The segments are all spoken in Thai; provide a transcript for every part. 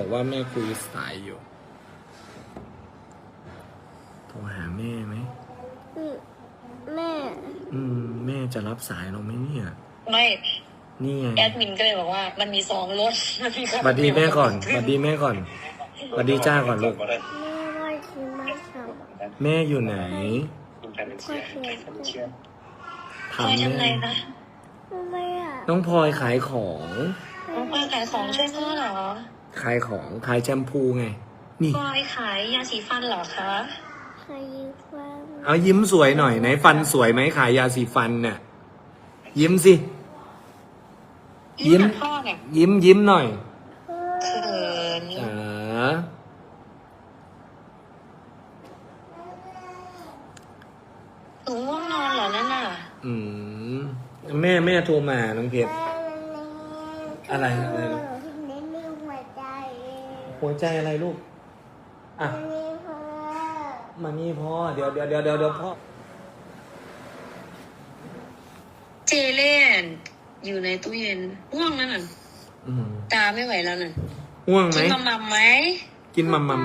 บอกว่าแม่คุยสายอยู่โทรหาแม่ไหมแม่แม่จะรับสายเราไหมเนี่ยไม่นี่ไงแอดมินก็เลยบอกว่ามันมี2 รถสวัสดีแม่ก่อนสวัสดีแม่ก่อนสวัสดีจ้าก่อนลูกแม่ว่าคือไม่ทำแม่อยู่ไหนถามทำไงแม่นะไม่อะน้องพลอยขายของน้องพลอยขายของช่วยพ่อเหรอขายของขายแชมพูไงนี่พลอยขายยาสีฟันเหรอคะใครยิ้มฟังเอายิ้มสวยหน่อยไหนฟันสวยไหมขายยาสีฟันเนี่ยยิ้มสิยิ้มกับพ่อเนี่ยยิ้มหน่อยเขิน หนูง่วงนอนเหรอนั่นน่ะแม่โทรมาน้องเพชรอะไรลูกเน้นมีหัวใจหัวใจอะไรลูกอ่ะมีหัวมานี่พ่อเดี๋ยวพ่อเจเล่นอยู่ในตู้เย็นง่วงนั่นน่ะตาไม่ไหวแล้วน่ะง่วงไหมกินมัมไหมกินมัม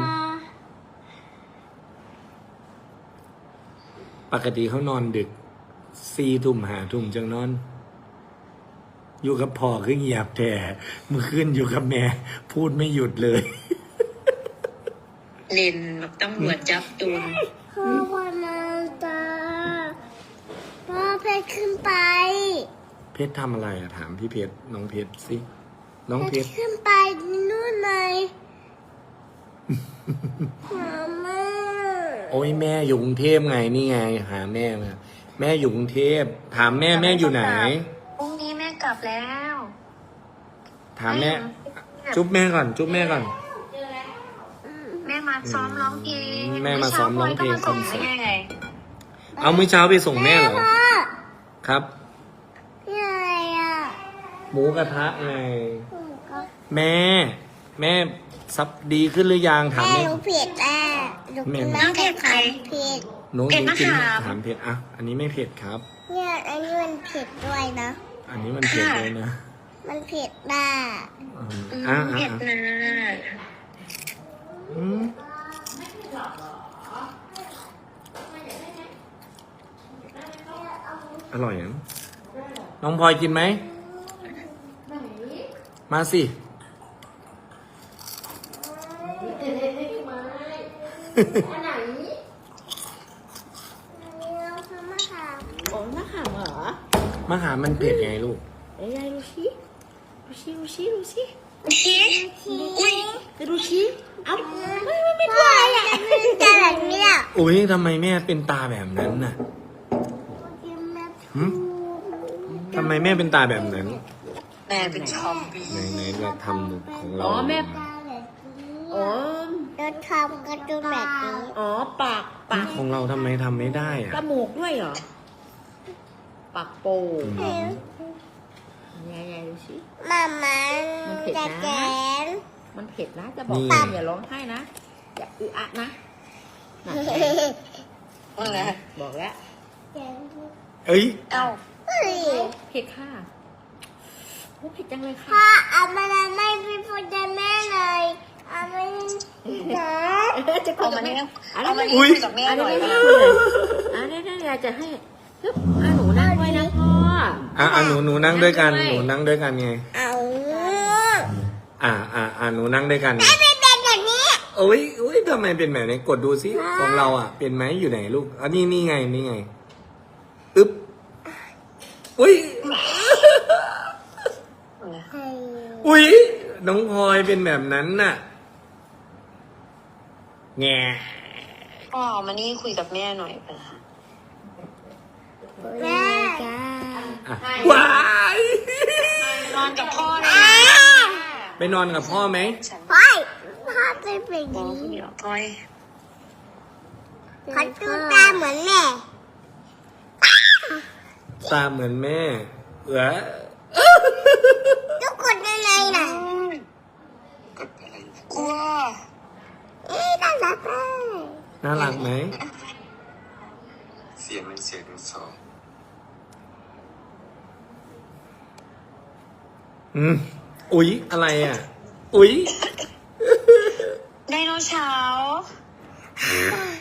ปกติเขานอนดึก4 ทุ่ม5 ทุ่มจังนอน อยู่กับพ่อคือเงียบแต่เมื่อคืนอยู่กับแม่ พูดไม่หยุดเลยเล่นแบบตำรวจจับจูนพ่อวันมาตาพ่อเพชรขึ้นไปเพชรทำอะไรอะถามพี่เพชรน้องเพชรสิน้องเพชรขึ้นไปนู่นไหมมาม่าโอ้ยแม่อยู่กรุงเทพไงนี่ไงหาแม่มาแม่อยู่กรุงเทพถามแม่อยู่ไหนพรุ่งนี้แม่กลับแล้วถามแม่ จุ๊บแม่ก่อนแม่มาซ้อมร้องเพลงแม่มาซ้อมร้องเพลงคอนเสิร์ตแม่ไงเอามื้อเช้าไปส่งแม่เหรอครับพี่อะไรอ่ะหมูกระทะไงแม่ซับดีขึ้นหรือยังถามแม่แม่หนูเผ็ดอ่ะหนูกินน้ำเผ็ดเผ็ดหนูกินถามเผ็ดอ่ะอันนี้ไม่เผ็ดครับเนี่ยอันนี้มันเผ็ดด้วยนะอันนี้มันเผ็ดเลยนะมันเผ็ดด่าเผ็ดนะอร่อยนะน้องพลอยกินไหมมาสิโอ้มะขามเหรอมะขามมันเผ็ดไงลูกเอ้ยดูชิดูชิอุ้ยดูชิเอาไม่กลัวอะไรอ่ะมันจะแบบนี้อ่ะอุ้ยทำไมแม่เป็นตาแบบนั้นน่ะทำไมแม่เป็นตาแบบนั้นแม่เป็นชอมบี้ไหนเราทำของเราโอ้เราทำกระตุ้นแบบนี้อ๋อปากของเราทำไมทำไม่ได้อะจมูกด้วยเหรอ ปากโป่งยายดูสิมามามันเผ็ดจะนะแกนมันเผ็ดนะ จะบอกอย่าร้องไห้นะ อย่าอึอะนะน่ะว่าไงบอกแล้วเอ้ยเอ้าเฮ้ยเผ็ดค่ะโอ้เผ็ดจังเลยค่ะพ่อเอามาไม่พี่พูดแม่เลยเอาไม่นะจะคุเอายกัมาบแม่นี่อะไรเอามานะนี่คุยกับแม่อันหน่นี้อยไม่นะคุยเลยอันนี้ยายจะให้ฮึบหนูนั่งด้วยนะพ่อหนูนั่งด้วยกัน หนูนั่งด้วยกันไงเอาหนูนั่งด้วยกันไม่เป็นแบบนี้โอ้ยทำไมเป็นแบบนี้กดดูสิของเราอ่ะ เป็นไหมอยู่ไหนลูกอันนี้นี่ไงอึ๊บอุ้ยน้องพลอยเป็นแบบนั้นน่ะแง่พ่อมานี่คุยกับแม่หน่อยไปละแม่ว้ายนอนกับพ่อเลยไปนอนกับพ่อไหมพ่อจะเป็นบอกนี้เดี๋ยวพ่อยเขาดูตาเหมือนแม่ตาเหมือนแม่ทุกคนยังไงน่ะกลัวน่ารักมากน่ารักไหมเสียง1 เสียง 2 อุ๊ยอะไรอ่ะ อุ๊ยเช้า